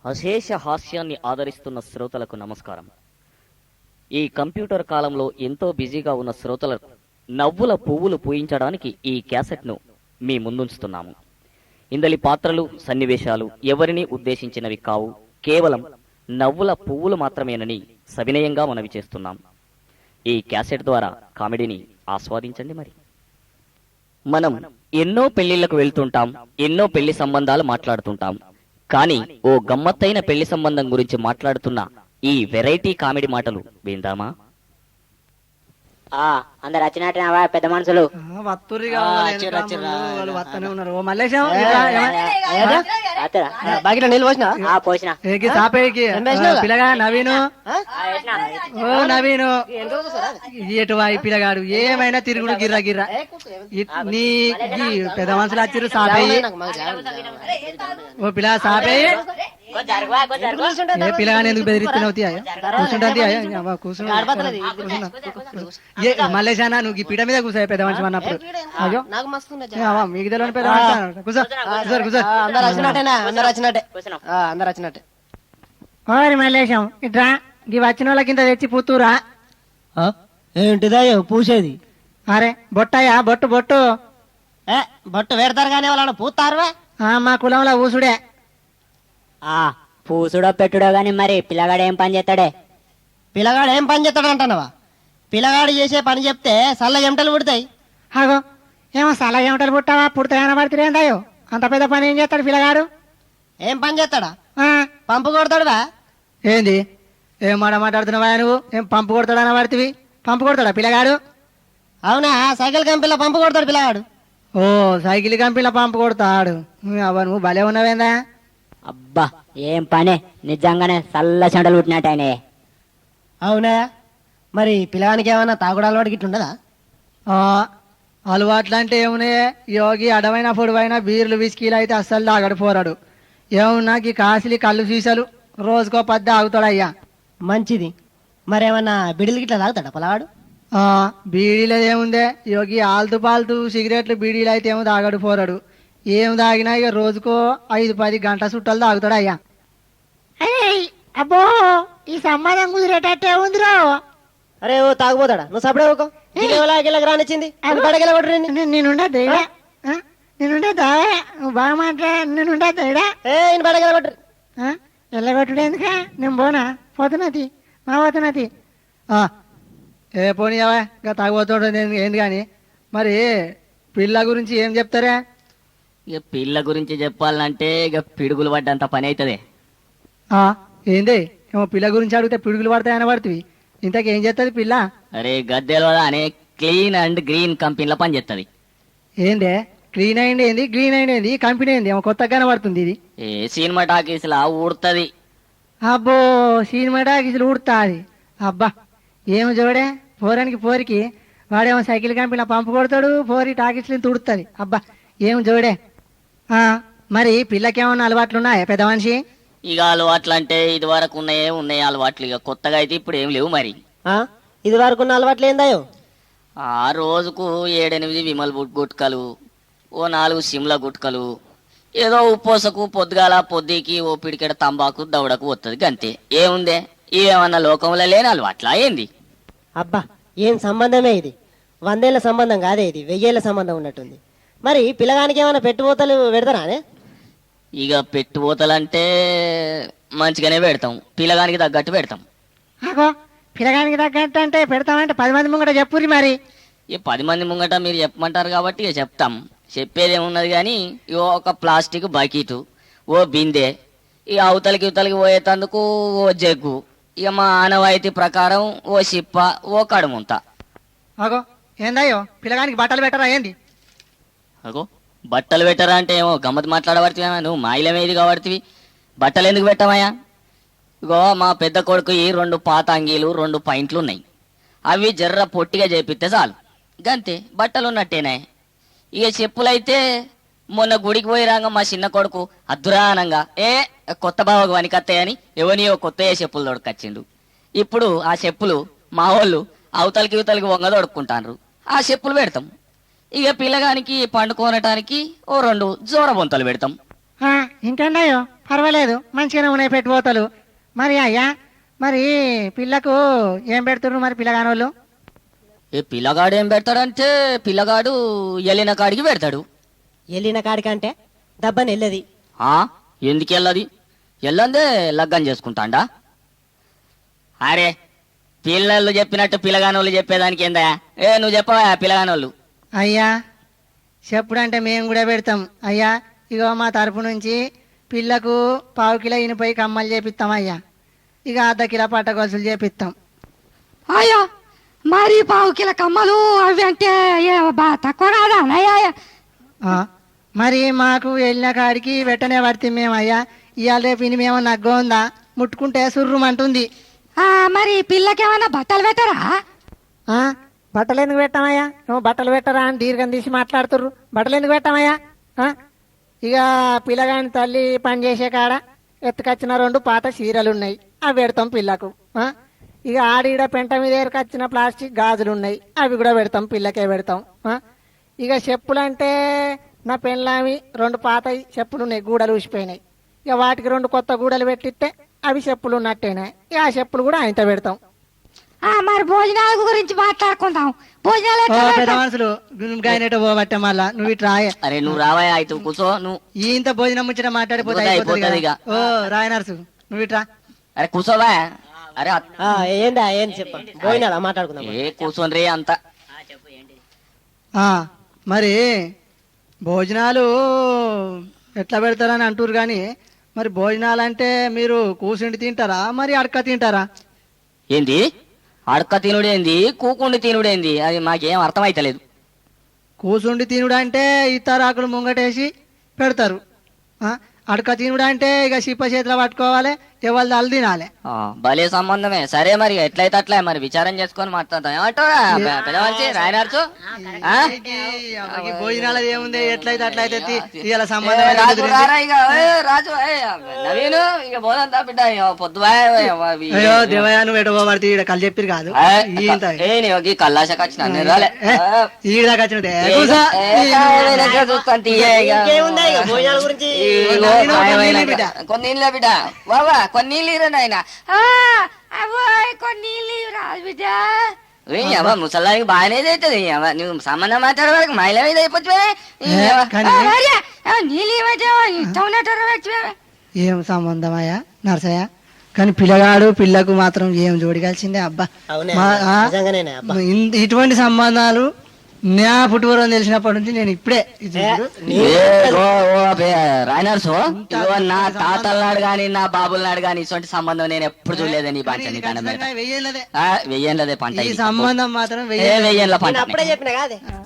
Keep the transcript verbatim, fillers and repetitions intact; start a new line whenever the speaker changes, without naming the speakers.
అశేష హాస్యాన్ని ఆదరిస్తున్న శ్రోతలకు నమస్కారం. ఈ కంప్యూటర్ కాలంలో ఎంతో బిజీగా ఉన్న శ్రోతలకు నవ్వుల పువ్వులు పూయించడానికి ఈ క్యాసెట్ను మీ ముందుంచుతున్నాము. ఇందలి పాత్రలు సన్నివేశాలు ఎవరిని ఉద్దేశించినవి కావు, కేవలం నవ్వుల పువ్వులు మాత్రమేనని సవినయంగా మనవి చేస్తున్నాం. ఈ క్యాసెట్ ద్వారా కామెడీని ఆస్వాదించండి. మరి మనం ఎన్నో పెళ్లిళ్లకు వెళ్తుంటాం, ఎన్నో పెళ్లి సంబంధాలు మాట్లాడుతుంటాం. కానీ ఓ గమ్మత్తైన పెళ్లి సంబంధం గురించి మాట్లాడుతున్న ఈ వెరైటీ కామెడీ మాటలు విందామా?
ఆ అందరు వచ్చినట్టున్నావా పెద్ద మనుషులు?
బాగిలో నీళ్ళు పోసిన
పోసిన
పిల్లగా నవీను ఓ నవీను ఎటు వాయి పిల్లగాడు ఏమైనా తిరుగుడు గిర్రా గిర్రా నీ పెద్ద మనుషులు వచ్చిర్రు సాపయ్యి ఓ పిల్ల సాపయ్యి ఏ పిల్లగాని ఎందుకు బెదిరిస్తున్నావు? కూర్చుంటా మల్లేశానా నువ్వు ఈ పీట మీద కూర్చో పెద్ద మనిషి అన్నప్పుడు. అయ్యో మీకు తెలియని పెద్ద మనిషి కూర్చో కూర్చో అందరు వచ్చినట్టేనా? అందరు వచ్చినట్టే అందరు వచ్చినట్టే. ఓరి మల్లేశం ఇట్రా ఈ వచ్చిన వాళ్ళకి ఇంత తెచ్చి పూతురా.
ఏంటిదయ్యో పూసేది?
అరే బొట్టయ్యా బొట్టు బొట్టు
ఏ బొట్టు పెడతారు కానీ వాళ్ళని పూతారువా?
మా కులంలో ఊసుడే.
ఆ పూసుడో పెట్టుడో గాని మరి పిల్లగాడు ఏం పని చేస్తాడే?
పిల్లగాడు ఏం పని చేస్తాడు అంటున్నావా? పిల్లగాడు చేసే పని చెప్తే సల్ల ఎమటలు పుడతాయి.
అగో ఏమో సల్ల ఎమటలు పుట్టావా? పుడతాయన పడుతుందేందయ్యో అంత పెద్ద పని ఏం చేస్తాడు పిల్లగాడు?
ఏం పని చేస్తాడా? పంపు కొడతాడువా?
ఏంది ఏం మాట మాట్లాడుతున్నావా నువ్వు? ఏం పంపు కొడతాడని పడుతుంది? పంపు కొడతాడా పిల్లగాడు?
అవునా, సైకిల్ కంపెనీలో పంపు కొడతాడు పిల్లగాడు.
ఓ సైకిల్ కంపెనీలో పంపు కొడతాడు. అవ్వ నువ్వు భలే ఉన్నావేందా?
అబ్బా ఏం పనే, నిజంగానే చల్ల చెంటలు పుట్టినట్టు ఆయన.
అవునా, మరి పిల్లగానికి ఏమన్నా తాగుడు అలవాటు గిట్ల ఉండదా?
అలవాట్లు అంటే ఏమున్నాయి? యోగి అడవైన పొడవైన బీర్లు విస్కీలు అయితే అస్సలు తాగడు పోరాడు. ఏమున్నా ఈ కాసిలి కళ్ళు సీసాలు రోజుకో పద్ద ఆగుతాడు అయ్యా.
మంచిది. మరేమన్నా బిడిలు గిట్లా తాగుతాడా పిల్లగాడు?
బీడీలో ఏముందే యోగి ఆల్తు పాల్తు సిగరెట్లు బీడీలు అయితే ఏమో తాగడు పోరాడు. ఏం తాగినా ఇక రోజుకో ఐదు పది గంటల చుట్టాలు తాగుతాడు అయ్యా. అబ్బో ఈ సంబంధం కుదిరేటట్టే ఉందిరా.
అరే ఓ తాగుపోతాడా? నువ్వు సపడే ఊకో. రానిచ్చింది
నేనుండే నేనుండే నువ్వు బాగా మాట్లా నేనుండే ఎల్లగొట్టుడు ఎందుక? నేను పోనా పోతున్నది మా పోతున్నది. ఏ పోనీవా ఇంకా తాగుపోతాడు ఏంది కానీ. మరి పిల్ల గురించి ఏం చెప్తారా?
ఇక పిల్ల గురించి చెప్పాలంటే ఇక పిడుగులు పడ్డంత పని అవుతుంది.
ఏంది ఏమో పిల్ల గురించి అడిగితే పిడుగులు పడతాయని పడుతుంది. ఇంతకేం చేస్తుంది పిల్ల?
అరే గద్దెలు అనే క్లీన్ అండ్ గ్రీన్ కంపెనీలో పని చేస్తుంది.
ఏందే క్లీన్ అయింది ఏంది గ్రీన్ అయింది ఏంది కంపెనీ ఏంది? ఏమో కొత్తగానే పడుతుంది ఇది.
ఏ సినిమా టాకీస్ లా ఊడుతుంది.
అబ్బో సినిమా టాకీసులు ఊడుతుంది. అబ్బా ఏమో చూడే పోరానికి పోరికి వాడేమో సైకిల్ కంపెనీలో పంపు కొడతాడు, పోరి టాకీసులు తుడుతుంది. అబ్బా ఏమో చూడే. మరి పిల్లకేమన్నా అలవాట్లు ఉన్నాయా పెద్ద మనిషి?
ఇక అలవాట్లు అంటే ఇది వరకు ఉన్నాయే ఉన్నాయి అలవాట్లు. ఇక కొత్తగా అయితే ఇప్పుడు ఏం లేవు. మరి
ఇది వరకు ఉన్న అలవాట్లు ఏందాయో?
ఆ రోజుకు ఏడెనిమిది విమల్ గుట్కలు, ఓ నాలుగు సిమ్ల గుట్కలు, ఏదో ఉప్పోసకు పొద్దుగాల పొద్దుకి ఓ పిడికెడ తంబాకు దౌడకు వస్తుంది గంతే. ఏముందే ఏమన్నా లోకంలో లేని అలవాట్లా ఏంది?
అబ్బా ఏం సంబంధమే ఇది? వందేళ్ల సంబంధం కాదే ఇది, వెయ్యేళ్ల సంబంధం ఉన్నట్టుంది. మరి పిల్లగానికి ఏమైనా పెట్టుబోతలు పెడతారా?
ఇక పెట్టుబోతలంటే మంచిగానే పెడతాం, పిల్లగానికి తగ్గట్టు పెడతాం.
పిల్లగానికి తగ్గట్టు అంటే పెడతామంటే పది మంది ముంగట చెప్పుర్రి. మరి
ఇక పది మంది ముంగట మీరు చెప్పమంటారు కాబట్టి ఇక చెప్తాం. చెప్పేది ఏమున్నది కానీ ఇగో ఒక ప్లాస్టిక్ బకెట్, ఓ బిందె, ఇక అవతలకి ఇవతలకి పోయేటందుకు ఓ జగ్గు, ఇక మా ఆనవాయితీ ప్రకారం ఓ సిప్ప, ఓ కడుముంత.
అగో ఏందయ్యో పిల్లగానికి బట్టలు పెట్టరా ఏంది?
అగో బట్టలు పెట్టరా అంటే ఏమో గమ్మత్ మాట్లాడబడుతున్నా నువ్వు మాయిలమేది కాబడుతుంది. బట్టలు ఎందుకు పెట్టమయ్యా? ఇగో మా పెద్ద కొడుకు ఈ రెండు పాత అంగీలు రెండు పాయింట్లు ఉన్నాయి. అవి జర్ర పొట్టిగా చేపిస్తే చాలు గంతే, బట్టలు ఉన్నట్టేనా. ఇక చెప్పులైతే మొన్న గుడికి పోయి రాగా మా చిన్న కొడుకు అద్దురానంగా ఏ కొత్త బావకు వనికత్తాయని ఎవనియో కొత్త చెప్పులు దొడకొచ్చిండు. ఇప్పుడు ఆ చెప్పులు మా వాళ్ళు అవతలకి ఇవతలకి వంగ దొడుక్కుంటారు. ఆ చెప్పులు పెడతాం. ఇక పిల్లగానికి పండుకోనటానికి ఓ రెండు జోర బొంతలు పెడతాం.
ఇంకేందయ్యో పర్వాలేదు మంచిగానే ఉన్నాయి పెట్టుపోతలు. మరి అయ్యా మరి పిల్లకు ఏం పెడుతున్నారు మరి పిల్లగానోళ్ళు?
ఏ పిల్లగాడు ఏం పెడతాడంటే పిల్లగాడు ఎల్లిన కాడికి పెడతాడు.
వెళ్ళిన కాడికంటే దబ్బని వెళ్ళది.
ఆ ఎందుకు వెళ్ళది? ఎల్లందే లగ్గం చేసుకుంటాండా? అరే పిల్లలు చెప్పినట్టు పిల్లగానోళ్ళు చెప్పేదానికి ఏందా? ఏ నువ్వు చెప్పవా పిల్లగానోళ్ళు?
అయ్యా చెప్పుడంటే మేము కూడా పెడతాం అయ్యా. ఇగో మా తరపు నుంచి పిల్లకు పావు కిలో ఇనుపై కమ్మలు చేపిస్తాం అయ్యా. ఇక అర్ధ కిలో పట్ట గొలుసులు చేపిస్తాం.
అయ్యో మరి పావు కిల కమ్మలు అవి అంటే ఏ బా- తక్కువ కాదా అన్నయ్య?
ఆ, మరి మాకు వెళ్ళిన కాడికి వెంటనే పడితే మేము అయ్యా. ఇవాళ రేపు ఇని మేము నగ్గ ఉందా ముట్టుకుంటే సుర్రుమంటుంది.
ఆ, మరి పిల్లకేమన్నా బట్టలు పెట్టరా?
ఆ, బట్టలు ఎందుకు పెట్టామయ్యా? నువ్వు బట్టలు పెట్టరా అని దీర్ఘం తీసి మాట్లాడుతుర్రు. బట్టలు ఎందుకు పెట్టామయ్యా? ఆ, ఇక పిల్లగాని తల్లి పని చేసే కాడ ఎత్తుకొచ్చిన రెండు పాత చీరలు ఉన్నాయి, అవి పెడతాం పిల్లకు. ఆ, ఇక ఆడీడ పెంట మీద ఎరకొచ్చిన ప్లాస్టిక్ గాజులు ఉన్నాయి, అవి కూడా పెడతాం పిల్లకే పెడతాం. ఆ, ఇక చెప్పులు అంటే నా పెళ్ళామి రెండు పాత చెప్పులు ఉన్నాయి, గూడలు ఊసిపోయినాయి. ఇక వాటికి రెండు కొత్త గూడలు పెట్టిస్తే అవి చెప్పులు ఉన్నట్టేనా, ఇక ఆ చెప్పులు కూడా ఆయనతో పెడతాం.
ఆ, మరి భోజనాల గురించి మాట్లాడుకుందాం. భోజనాలు
ఓ
ఎట్లా
పెద్ద
పెడతాం?
మనుషులు గాయనట పోబట్టే మళ్ళా నువ్వు ఇటు రాయ.
అరే నువ్వు రావా అయితే కూర్చో నువ్వు.
ఇంత భోజనం ముచ్చట మాట్లాడిపోతే
అయిపోతుంది
అయిపోతుంది
ఇక.
కదా. ఓ రాయ నర్సు నువ్వు ఇట్రా.
అరే కూర్చోవా. అరే అత్-
ఆ, ఏందా ఏం చెప్ప పోయినాడా మాట్లాడుకుందాం.
ఏ కూర్చోని రే అంత.
ఆ, మరి భోజనాలు ఎట్లా పెడతారని అంటారు కానీ మరి భోజనాలు అంటే మీరు కూర్చుండి తింటారా మరి అడక తింటారా?
ఏంది అడక తినుడేంది కూకుండి తినుడేంది? అది మాకేం అర్థమైతలేదు.
కూర్చుండి తినుడు అంటే ఇతరాకులు ముంగటేసి పెడతారు. ఆ, అడక తినుడు అంటే ఇక చిప్ప చేతిలో పట్టుకోవాలి, ఎవరి దాళ్ళు తినాలి.
ఆ, భలే సంబంధమే. సరే మరి ఎట్లయితే అట్లా మరి విచారం చేసుకొని మాట్లాడతాం. ఏమంటారా పెద్ద మనిషి రాయనార్చు? ఆ?
ఈ భోజనాలు ఏముంది ఎట్లయితే అట్లయితే తి- ఇవాళ
ఏ,
సంబంధం
రాజు
కుదిరింది.
రారా ఇక. ఏ, రాజు ఏ, నవీను ఇక పోదంతా బిడ్డ ఇక పొద్దువా
అయ్యో దేవయ్య నువ్వు ఎటు పోబడితే ఈడ కళ్ళు చెప్పిరు కాదు ఈంత
ఏ నీవు ఈ కల్లాశకి వచ్చిన నేను రాలే.
ఈడ దాకా వచ్చినట్టే
ఏ,
కూసో.
ఏ, కాయలే లెక్క చూస్తాను తీయ ఇక.
ఇంకేముందా ఇక భోజనాల గురించి?
ఇగో
నవీను,
కాయమైన
కొన్ని నీళ్ళు బిడ్డ.
కొన్ని నీళ్ళ బిడ్డ. బాబా కొన్ని నీళ్ళు ఇరా నాయన.
ఆ, అవ్వోయ్, కొన్ని నీళ్ళు రాదు బిడ్డ.
ముసలానికి బాగానే అవుతుంది. నువ్వు సంబంధం మాట్లాడే వరకు మహిళ మీద అయిపోతుంది.
ఏ, కానీ
ఆ, మరి, ఆ, నీళ్ళు ఇవ్వచ్చా? ఇష్టం ఉన్నట్టు పెట్టు.
ఏం సంబంధమయ్యా నర్సయ్య? కానీ పిల్లగాడు పిల్లకు మాత్రం ఏం జోడి కలిసిందే అబ్బా.
అవునే
మా- ఆ,
నిజంగానేనే అబ్బా.
ఇన్- ఇటువంటి సంబంధాలు నా పుట్టువరం తెలిసినప్పటి నుంచి నేను ఇప్పుడే ఇది చూడు.
రాయనర్సు ఇగో నా తాతల గాని నా బాబుల నాడు గాని ఇటువంటి సంబంధం నేను ఎప్పుడు చూడలేదని ఈ పంట.
ఇది
నీ దండం
ఖచ్చితంగా
పెడతా.
వెయ్యేళ్ళదే.
ఆ, వెయ్యేళ్ళదే పంట
ఈ
ఇది.
సంబంధం మాత్రం
ఏ
వెయ్యేళ్ళదే.
వెయ్యేళ్ళ పంట.
నేను అప్పుడే చెప్పిన కాదే.